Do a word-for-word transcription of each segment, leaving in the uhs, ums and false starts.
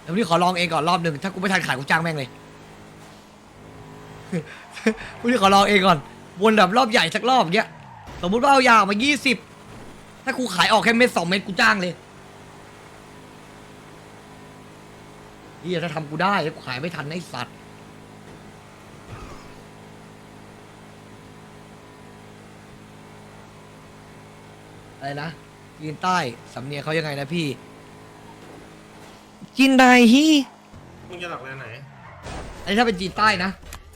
ดี๋ยววันนี้ขอลองเองก่อนรอบหนึ่งถ้ากูไม่ทันขายกูจ้างแม่งเลย วันนี้ขอลองเองก่อนวนแบบรอบใหญ่สักรอบเงี้ยสมมุติว่าเอายาออกมายี่สิบถ้ากูขายออกแค่เม็ดสองเม็ดกูจ้างเลยเฮียถ้าทำกูได้กูขายไม่ทันไอ้สัตว์อะไรนะจีนใต้สำเนียงเขายังไงนะพี่จีนใดฮีมึงจะหลักแลนไหนอันนี้ถ้าเป็นจีนใต้นะ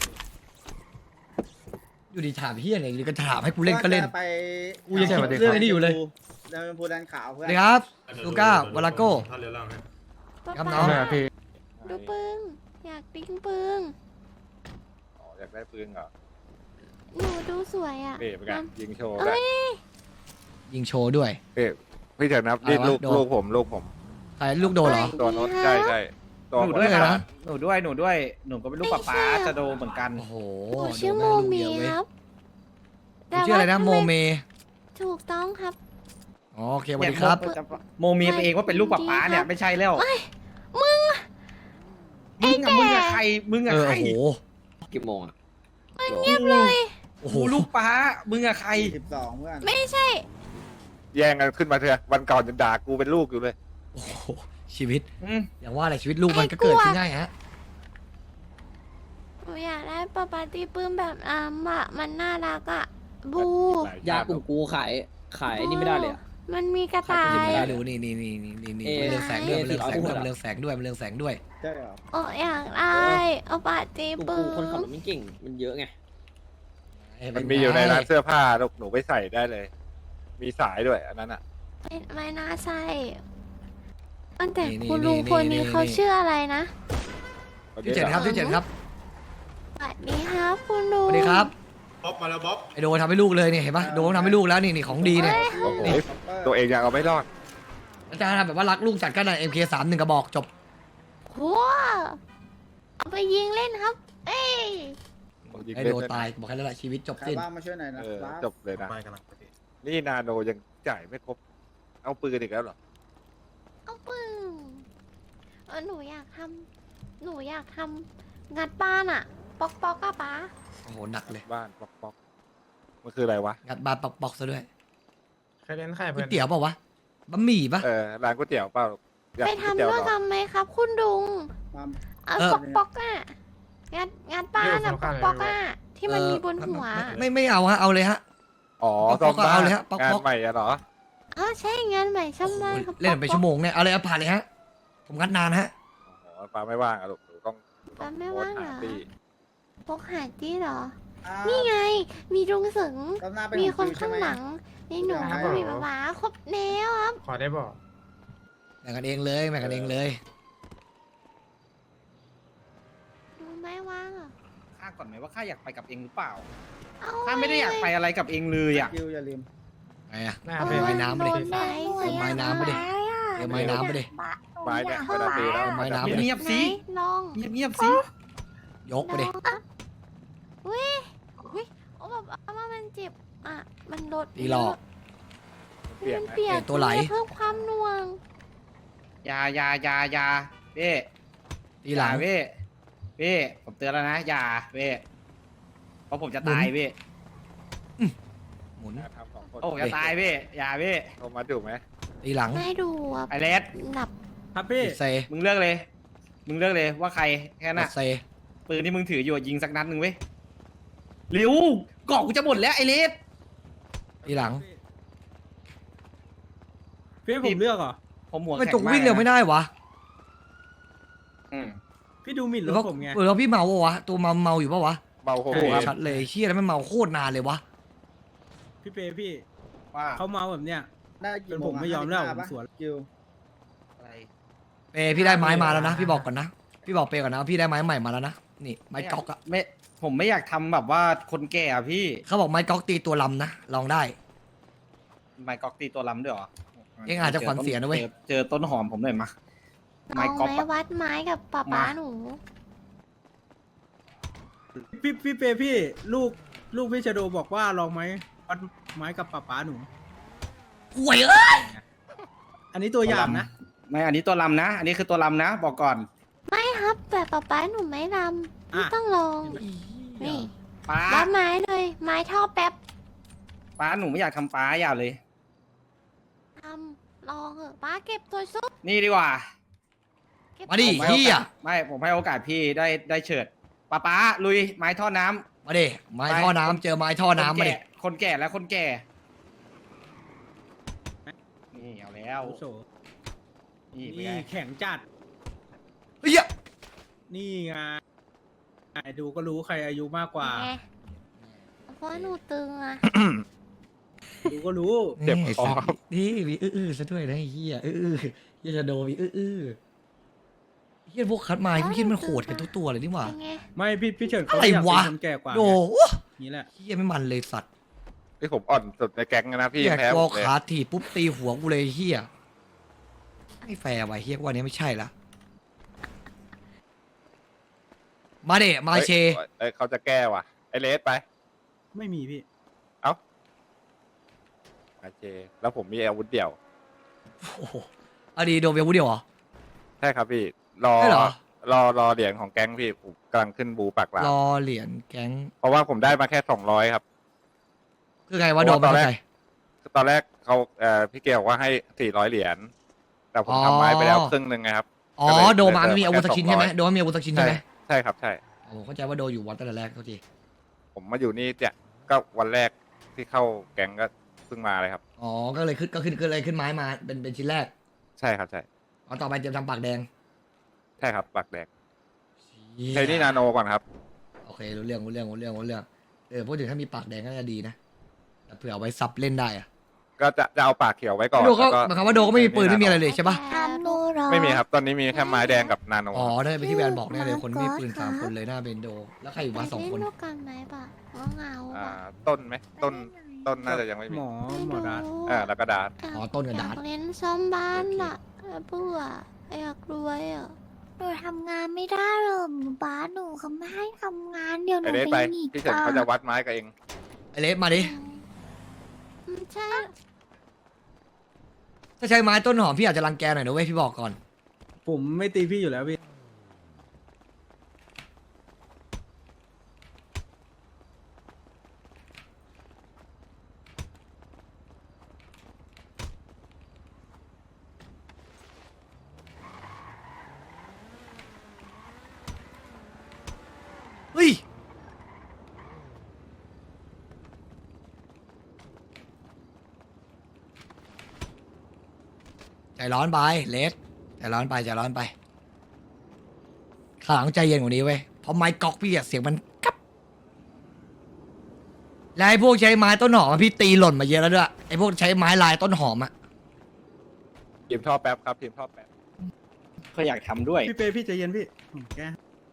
อยู่ดีถามเฮียอะไรหรือก็ถามให้กูเล่นก็เล่นไปกูยังคิดเรื่องไอ้นี่อยู่เลยเดินพูแดนขาวเพื่อนสวัสดีครับ ลูก้าวาลาโก้ถ้าเรือล่างให้ครับน้องดูปึ้งอยากดิ้งปึ้งอ๋ออยากได้ปืนเหรอหนูดูสวยอ่ะเป๊ะเป็นไงยิงโชว์เอ้ได้ยยิงโชว์ด้วยเป๊ะพี่เถอะนับนี่อะไรวะลูกโดนลูกผมลูกผมใครลูกโดนเหรอตัวโน้ตใช่ใช่ตัวหนูผมด้วยไงคนะรับหนูด้วยหนูด้วยหนูก็เป็นลูกป๊าป๊าจะโดเหมือนกันโอ้โหหนูชื่อโมโดนเมแลูกเดียวเว้ยครับคุณชื่ออะไรนะว่าโมเมถูกต้องครับอ๋อโอเคสวัสดีครับโมเมียไปเองว่าเป็นลูกป๊าป๊าเนี่ยไม่ใช่แล้วมึงมึงอะมึงอะใครมึงเออะอใครโอ้โหกี่โมงอ่ะเงียบเลยโอ้โหกูลูกป๊ามึงอะใครสิบสองเพื่อนไม่ใช่แย่งกันขึ้นมาเถอะวันก่อนจะด่ากูเป็นลูกอยู่เลยโอ้โหชีวิตอืมอย่างว่าอะไรชีวิตลูกมันก็เกิดขึ้นง่ายฮะหนูอยากได้ปาปาตีปื้มแบบอ่ะอะมันน่ารักอ่ะ บูยากลุ่มกูขายขายนี่ไม่ได้เลยอะมันมีกระขายต่าปืนยไม่ได้ดูนี่นี่นี่นี่นี่นี่เอ๊ะมันเรืองแสงด้วยมันเรืองแสงด้วยเอ๊ะมันเรืองแสงด้วยมันเรืองแสงด้วยใช่เหรอโอ้อยากได้เอาปาตีกลุ่มปื้กูคนขับมรถไม่เก่งมันเยอะไงมันมีอยู่ในร้านเสื้อผ้าลูกหนูไปใส่ได้เลย มีสายด้วยอันนั้นอ่ะไม่ไม่น่าใช่อันแต่คุณลุงคนนี้เขาชื่ออะไรนะที่เจ็ดครับที่เจ็ดครับสวัสดีครับคุณสลุงวัสดีครับบ๊อบมาแล้วบ๊อบไอโดทำให้ลูกเลยเนี่ยเห็นปะโดทำให้ลูกแล้วนี่นี่ของดีเนี่ยโอ้โหตัวเองยังเอาไม่รอดอาจารย์ทำแบบว่ารักลูกจัดกันนะเอ็มเคสามหนึ่งกระบอกจบว้าเอาไปยิงเล่นครับ เอ้ยยิงไอเล่โดนด้วยนะตายบอกแค่นั้นแหละชีวิตจบใครสิ้นบ้างมาช่วยหน่อยนะเออครับจบเลยนะไปกันนะนี่นาโนยังจ่ายไม่ครบ เอาปืนอีกแล้วเหรอเอาปึ้งเออหนูอยากทำหนูอยากทำงัดบ้านอะปอกปอกอะป๊าโอ้โหหนักเลยบ้านป๊อกป๊อกมันคืออะไรวะงัดบานปอกปอกซะด้วยใครเล่นใครก๋เพื่วอย นเตี๋ยวเปล่าวะบะหมี่ปะเออร้านก๋วยเตี๋ยวเปล่าอยากไปกินก๋วยทำเตี๋ยวด้วยเหรอกันไหมครับ คุณดุงมาเอาปอกปอกอะงัดงัดบ้านอะปอกปอกอะที่มันมีบนหัวไม่ไม่เอาฮะเอาเลยฮะอ๋อป๊อกป๊อกซ่มบ้นเอาเลยฮะป๊อกงานป๊อกใหม่อะเหรออ๋อใช่งานใหม่ช่างบ้านครับเล่นไปชั่วโมงเนี่ยเอาเลยเอาผ่านเลยฮะผมงัดนานฮะอ๋อฟ้าไม่ว่างอะลูกหนูต้องป๊าไม่ว่างเหรอโพสต์หตี้ปอกหาจี้เหรออ่านี่ไง มีลุงสึงรอบหน้าเป็นมีของคนฟิวใช่ข้างไหมหลังในหนูครับก็มีป๊าป๊าครบแล้วครับขอได้บอกแบ่งกันเองเลยแบ่งกันเองเลยดูไม่ว่างอ่ะข้าก่อนไหมว่าข้าอยากไปกับเองหรือเปล่าเอาข้าไม่ได้อยากไปอะไรกับเองเลยอ่ะคิวอย่าลืมไงอะหน้าเอาเป็นไม้น้ำมาดิโดนไหมเอาไม้น้ำมาดิ เดี๋ยวไม้น้ำไปดิไม้เนี่ยเวลาตีแล้วไม้น้ำจะเงียบไหนๆสิลองเงียบๆสิยกไปดิลองอ่ะอุ้ยอุ้ยโอ้แบบเอาว่ามันเจ็บอ่ะมันลดตีหลอกเปลี่ยนมันนะเปลี่ยนเปลี่ยนตัวไหลเพิ่มความหน่วงอยาอยาอยาอยาเว้ตีหลังอย่าเว้เว้ผมเตือนแล้วนะอย่าเว้เพราะผมจะตายเว้หมุนทำสองคนโอ้ผมจะตายเว้อย่าเว้โทรมาดูไหมตีหลังได้ดูอ่ะไอเลสหลับครับพี่เซมึงเลือกเลย มึงเลือกเลยว่าใครแค่นั้นกน่ะดเซปืนที่มึงถืออยู่ยิงสักนัดหนึ่งเว้ยเร็วเกาะกูจะหมดแล้วไอเลสตีหลังพี่ให้ผมเลือกเหรอผมหัวไม่แข็งจกวิ่งเร็วไม่ได้วะอืมพี่ดูหมิ่นหรรือถว่าผมไงหรือว่าพี่เมาปะวะตัวเมาเมาอยู่ปะวะเบาโหโอ้โหดชัดเลยเชี่ยแล้วไม่เมาโคตรนานเลยวะพี่เปย์พี่ว่าเขาเมาแบบเนี้ยได้กี่เป็นโมผงมอะไม่ยอมแล้วห้าสิบผมห้าสวนปะคิวอะไรเปพี่ได้ไม้มาแล้วนะพี่บอกก่อนนะพี่บอกเปก่อนนะว่าพี่ได้ไม้ใหม่มาแล้วนะนี่ไม้ก๊อกอะไม่ผมไม่อยากทำแบบว่าคนแก่อะพี่เขาบอกไม้ก๊อกตีตัวลำนะลองได้ไม้กอกตีตัวล้ำด้วยเหรอเองอาจจะขวัญเสียนะเว้ยจอเจอต้นหอมผมหน่อยมาลไม้องก๊อปไหมอะวัดไม้กับป๊าป๊ามาหนูพี่พี่เปย์พี่ลูกลูกพี่ชโดบอกว่าลองไหมวัดไม้กับป้าป๋าหนูห่วยเอ้ยอันนี้ตัวอย่างนะไม่อันนี้ตัวลำนะ อันนี้คือตัวลำนะ บอกก่อนไม่ครับแต่ป๊าป๊าหนูไม่รำไม่ต้องลอง นี่ป้ารับไม้เลย ไม้ท่อแป๊บป้าหนูไม่อยากทำป้าอย่าเลยทำลองเหอะป้าเก็บตัวซุปนี่ดีกว่าเก็บมาดิผมให้โอเฮียกาสไม่ผมให้โอกาสพี่ได้ได้เฉิดป้าป้าลุยไม้ท่อน้ำมาดิไม้ท่อน้ำเจอไม้ท่อน้ำมาดิคนแก่และคนแก่ นี่เอาแล้วโอ้โหนี่เป็นนี่ไงแข็งจัดเฮียนี่ไงดูก็รู้ใครอายุมากกว่าไงเพราะหนูตึงอะดูก็รู้เจ็บคอครับนี่มีอื้อๆซะด้วยนะไอ้เฮียอื้อๆเฮียจะโดนมีอื้อๆเฮียพวกคัดไม้พี่คิดมันโหดกันทุกตัวเลยนี่หว่าเป็นไงไม่พี่พี่เฉินเขาอะไรอยากวะเป็นคนแก่กว่าโดนี่แหละเฮียไม่มันเลยสัตว์ไอ้ผมอ่อนสุดในแก๊งนะพี่เฮียยังแพ้กผอมเลยขาถีบปุ๊บตีหัวกูเลยเฮียไม่แฟร์ว่ะเฮียว่านี้ไม่ใช่ละมาเดะมาเชเอ้ยเอ้ยเขาจะแก้ว่ะไอเลสไปไม่มีพี่เอ้ามาเชแล้วผมมีอาวุธเดี่ยวโอ้โหอดีโดนเวลวูเดียวเหรอใช่ครับพี่ รอใช่เหรอรอรอเหรียญของแก๊งพี่ผมกำลังขึ้นบูปากหลามรอเหรียญแก๊งเพราะว่าผมได้มาแค่สองร้อยครับคือไงว่าโดนตมาอนแรเท่าก ไหร่ตอนแรกเขาเอ่อพี่เกลบอกว่าให้สี่ร้อยเหรียญแต่ผมอ๋อทำไม้ไปแล้วครึ่งหนึ่งไงครับอ๋อก็เลยโดนมาไม่มีอาวุธแค่สักชิ้นใช่ไหมสองร้อยโดนไม่มีอาวุธสักชิ้นใช่ใช่ไหมใช่ครับใช่โอ้เข้าใจว่าโดนอยู่วันตั้งแต่แรกเท่าทีผมมาอยู่นี่เนี่ยก็วันแรกที่เข้าแก๊งก็เพิ่งมาเลยครับอ๋อก็เลยขึ้นก็ขึ้นก็เลยขึ้นไม้มาเป็นเป็นชิ้นแรกใช่ครับใช่เอาต่อไปเตรียมทำปากแดงใช่ครับปากแดงเหี้ยใช้นี่นาโนก่อนครับโอเครู้เรื่องรู้เรื่องรู้เรื่องรู้เรื่องเออพูดถึงถ้ามีปากแดงก็จะดีนะแต่เผื่อเอาไว้ซับเล่นได้อะก็จะจะเอาปากเขียวไว้ก่อนโดก็แล้วหมายความว่าโดก็ไม่มีปืนไม่มีอะไรเลยใช่ปะทำนูรอไม่มีครับ ตอนนี้มีแค่ไม้แดงกับนาโนอ๋อได้ไปที่แวนบอกแน่เลยคนไม่มีปืนสามคนเลยหน้าเบนโด แล้วใครอยู่บ้านสองคนไปเล่นด้วยกันไหมปะเหงาๆอ่าอะต้นไหมต้นต้นน่าจะยังไม่มีหมอหมอรัดอ่าแล้วก็ดาร์อ๋อต้นกับอดาร์ยาตกเล่นซ่อมบ้านอะเบื่ออยากรวยอะหนูทำงานไม่ได้หรอกบ้านหนูเขาไม่ให้ทำงานเดี๋ยวหไอนูเลสไปไปหนีพี่เฉินเขาจะวัดไม้กับเองไอเลสมาดิอืมใช่ถ้าใช้ไม้ต้นหอมพี่อาจจะรังแกหน่อยนะเว้ยพี่บอกก่อนผมไม่ตีพี่อยู่แล้วพี่เฮ้ยใจร้อนไปเลสใจร้อนไปใจร้อนไปข้างหลังใจเย็นกว่านี้เว้ยเพราะไม้ก๊อกพี่อะเสียงมันกับแล้วไอ้พวกใช้ไม้ต้นหอมอะพี่ตีหล่นมาเยอะแล้วด้วยไอ้พวกใช้ไม้ลายต้นหอมอะทีมท่อแป๊บครับทีมท่อแป๊บก็อยากทำด้วยพี่เปพี่ใจเย็นพี่ผมแก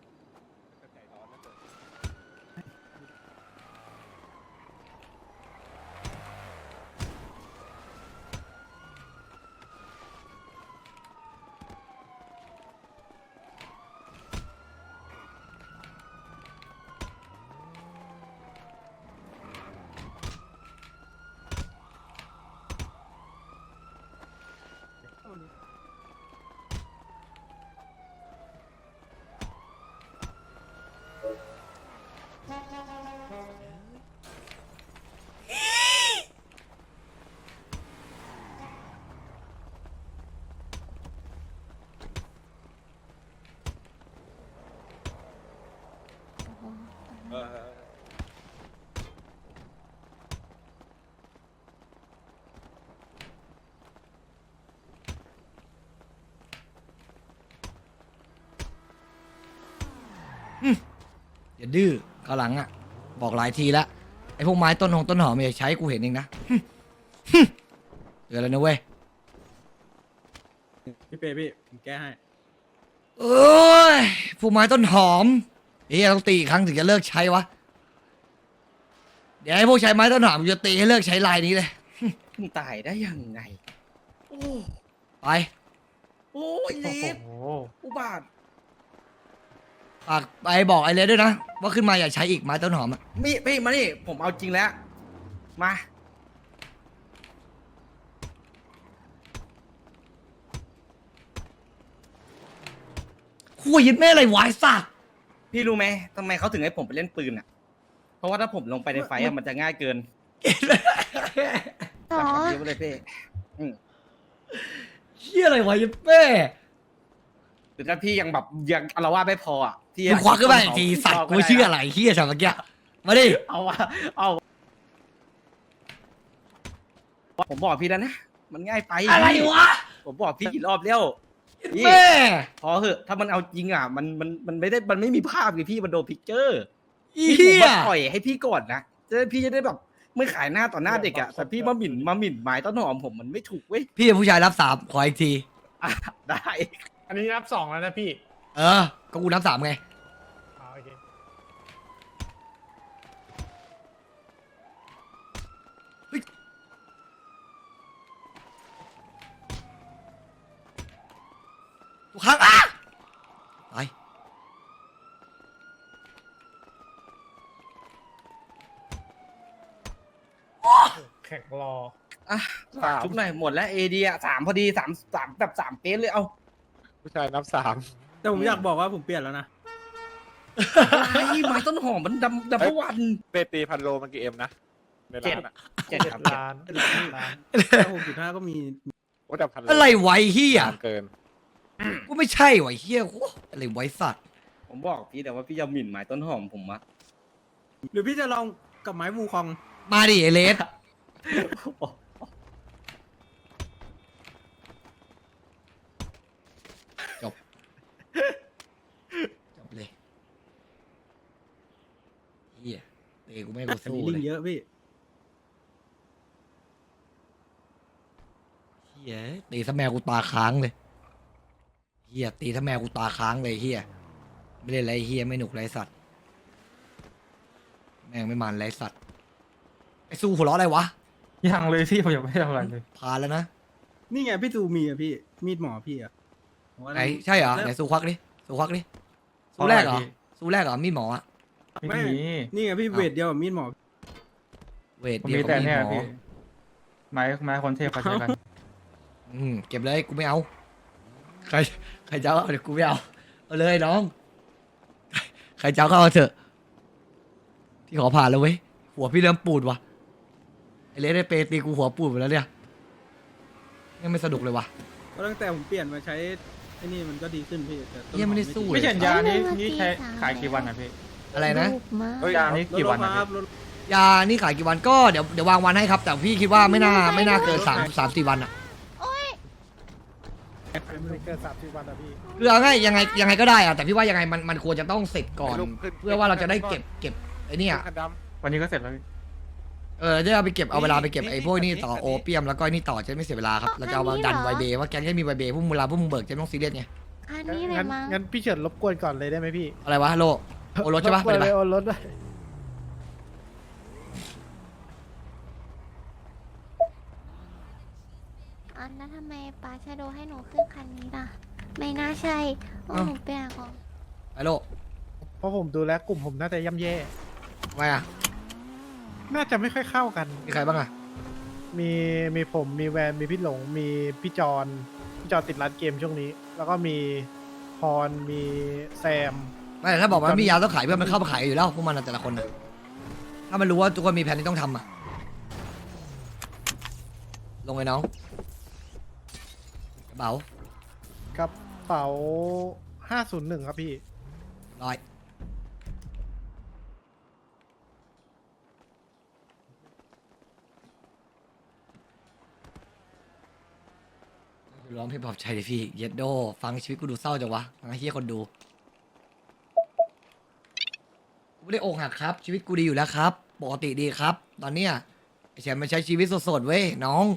อย่าดื้อข้างหลังอะบอกหลายทีแล้วไอ้พวกไม้ต้นหงต้นหอมอย่าใช้กูเห็นเองนะ เตือนแล้วนะเว้ยพี่เปพี่ผมแก้ให้เอ้ยพวกไม้ต้นหอมเฮ้ยต้องตีอีกครั้งถึงจะเลิกใช้วะ เดี๋ยวไอ้พวกใช้ไม้ต้นหอมกูจะตีให้เลิกใช้ลายนี้เลยมึงตายได้ยังไง โอ้ไปโอ้ยเลสอุบาทฝากไปบอกไอ้เลสด้วยนะ ว่าขึ้นมาอย่าใช้อีกไม้ต้นหอมอะไม่ไม่มานี่ผมเอาจริงแล้ว มาคุยยึดแม่อะไรวายสัตว์พี่รู้ไหมทำไมเขาถึงให้ผมไปเล่นปืนอ่ะ เพราะว่าถ้าผมลงไปในไฟอะมันจะง่ายเกินหรอเดี๋ยวเลยพี่อืมเฮียอะไรวะยึดแม่หรือถ้าพี่ยังแบบยังอารวาสไม่พออ่ะพี่มึงควักขึ้นมาอีกทีสัตว์กูเชื่ออะไรเฮียฉันเมื่อกี้มาดิเอาวะเอาผมบอกพี่แล้วนะมันง่ายไปอะไรวะผมบอกพี่กี่รอบแล้วพี่แม่พอเหอะถ้ามันเอาจริงอ่ะมันมันมันไม่ได้มันไม่มีภาพไงพี่มันโดนพิกเจอร์อีพี่ผมเฮียมาปล่อยให้พี่ก่อนนะจะได้พี่จะได้แบบไม่ขายหน้าต่อหน้าเด็กอ่ะแต่พี่มาหมิ่นมาหมิ่นหมายต้นหอมผมมันไม่ถูกเว้ยพี่เป็นผู้ชายรับสามขออีกทีอ่ะได้อันนี้นับสองแล้วนะพี่เออ ก็กูนับสามไงอ๋อโอเคทุกครั้งอ่ะไปแข่งรออ่ะสามชุบหน่อยหมดแล้วเอดีอ่ะสามพอดีสามสามแบบสามเป๊ะเลยเอาผู้ชายนับสามแต่ผมอยากบอกว่าผมเปลี่ยนแล้วนะไอ้ไม้ต้นหอมมันดำดำทุกวันเปตีพันโลมันกี่เอ็มนะในเจ็ร้าดนอ่ะเจ็ดครับล้านล้านหกจุดห้าก็มีโอ้แต่พันโลอะไรไวะไอ้เฮียนานเกินกูไม่ใช่ไวะไอ้เฮียโอ้อะไรไวะไอ้สัตว์ผมบอกพี่แต่ว่าพี่จะหมิ่นหมายต้นหอมผมอะหรือพี่จะลองกับไม้วูคองมาดิไอเลสจบ จบเลยเฮียเตะกูไม่ให้กูอันสู้นี้ลิเลงยเยอะพี่เฮียตีซะแมวกูตาค้างเลยเฮียตีซะแมวกูตาค้างเลยเฮียไม่เล่นไรเฮียไม่หนุกไรสัตว์แม่งไม่มันไรสัตว์ไอสู้หัวเราะอะไรวะยังเลยพี่ผมยังไม่ได้ทำอะไรเลยพานแล้วนะนี่ไงพี่ตูมีอะพี่ มีดหมอพี่อะผมว่าไหนใช่เหรอไหนสู้ควักดิสู้ควักดิสู้แรกเหรอสู้แรกเหรอมีดหมออะไม่มีนี่ไงพี่เวทเดียวกับมีดหมอเวทผมเดียวมีกับแต่มีดเนี่ยหมอพี่ไม้ไม้คนเทพเขาใช้กันอืมเก็บเลยกูไม่เอาใครใครจะเอาเดี๋ยวกูไม่เอาเอาเลยน้องใครจะเอาก็เอาเถอะที่ขอผ่านแล้วเว้ยหัวพี่เริ่มปูดว่ะไอเลสได้เปตีกูหัวปูดหมดแล้วเนี่ยยังไม่สนุกเลยว่ะเพราะตั้งแต่ผมเปลี่ยนมาใช้ไอ้นี่มันก็ดีขึ้นพี่แต่ต้นหอเหี้ยไม่ได้สู้จริงไม่เฉียนยานี่นี่ใช้ขายกี่วันอ่ะพี่อะไรนะรูปมากเฮ้ยยานี่ลดกี่ลวันงมาอ่ะครับพี่ลดยานี่ขายกี่วันก็เดี๋ยวเดี๋ยววางวันให้ครับ แต่พี่คิดว่าไม่น่าไม่น่าเกินสามสามสี่วันอะไม่เกินสามสิบวันอะพี่คือเอาง่ายยังไงยังไงก็ได้อะแต่พี่ว่ายังไงมันมันควรจะต้องเสร็จก่อนให้ลูกขึ้นเพื่อว่าเราจะได้เก็บเก็บไอ้เนี่ยคันดวันนี้ก็เสร็จแล้วพี่เออจะเอาไปเก็บเอาเวลาไปเก็บนี่ไอ้พวกนี้นี่ต่อนี่โอเปียมแล้วก็ไอ้นี่ต่อจะไม่เสียเวลาครับเราจะเอามาดันไวเบย์ว่าแกงจะมีไวเบย์พวกมึงเวลาพวกมึงเบิกจะไม่ต้องซีเรียสไงอันนี้เลยงั้นมั้งงั้นพี่เฉินรบกวนก่อนเลยได้ไหมพี่อะไรวะโลโอรถใช่ปะรบกไปวนเลยเลยปะโอนรถด้วยอันนั้นทำไมปาชาโดให้หนูขึ้นคันนี้ล่ะ ไม่น่าใช่โอ้หนูเปลี่ยนของไปโลเพราะผมดูแล้วกลุ่มผมน่าจะย่ำแย่ทำไมอะน่าจะไม่ค่อยเข้ากันมีใครบ้างอะมีมีผมมีแวนมีพี่หลง มีพี่จอนพี่จอนติดร้านเกมช่วงนี้ แล้วก็มีพรมีแซมไม่แต่ถ้าบอกว่ามียาต้องขายเพื่อนมันเข้ามาขายอยู่แล้วพวกมันอะแต่ละคนนะถ้ามันรู้ว่าทุกคนมีแผนที่ต้องทำอะลงเลยน้องกระเป๋ากระเป๋าห้าศูนย์หนึ่งครับพี่ร้อยร้องเพลงปลอบใจเลยพี่เย็ดโดฟังชีวิตกูดูเศร้าจังวะฟังไอ้เฮียคนดูกูไม่ได้อกหักครับ ชีวิตกูดีอยู่แล้วครับปกติดีครับ ตอนเนี้ยไอ้แชมป์มันใช้ชีวิตสดๆเว้ยน้อง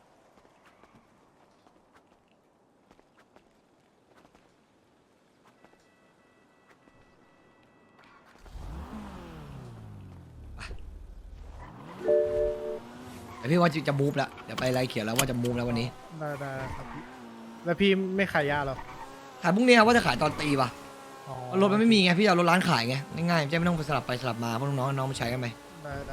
แต่พี่ว่าจะมูฟแล้วเดี๋ยวไปไล่เขียนแล้วว่าจะมูฟแล้ววันนี้ได้ได้ครับพี่แล้วพี่ไม่ขายยาเหรอขายพรุ่งนี้ว่าจะขายตอนตีป่ะอ๋อรถมันไม่มีไงพี่เอารถร้านขายไงง่ายๆจะไม่ต้องไปสลับไปสลับมาเพราะน้องๆน้องมาใช้กันไปได้ได้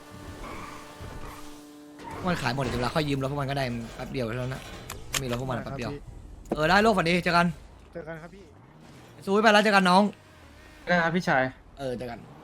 พวกมันขายหมดเดี๋ยวเวลาค่อยยืมรถพวกมันก็ได้แป๊บเดียวเท่านั้นนะไม่มีรถพวกมันได้แป๊บเดียวครับพี่เออได้โลกฝันดีเจอกันเจอกันครับพี่สู้ไปแล้วเจอกันน้องได้ครับพี่ชายเออเจอกัน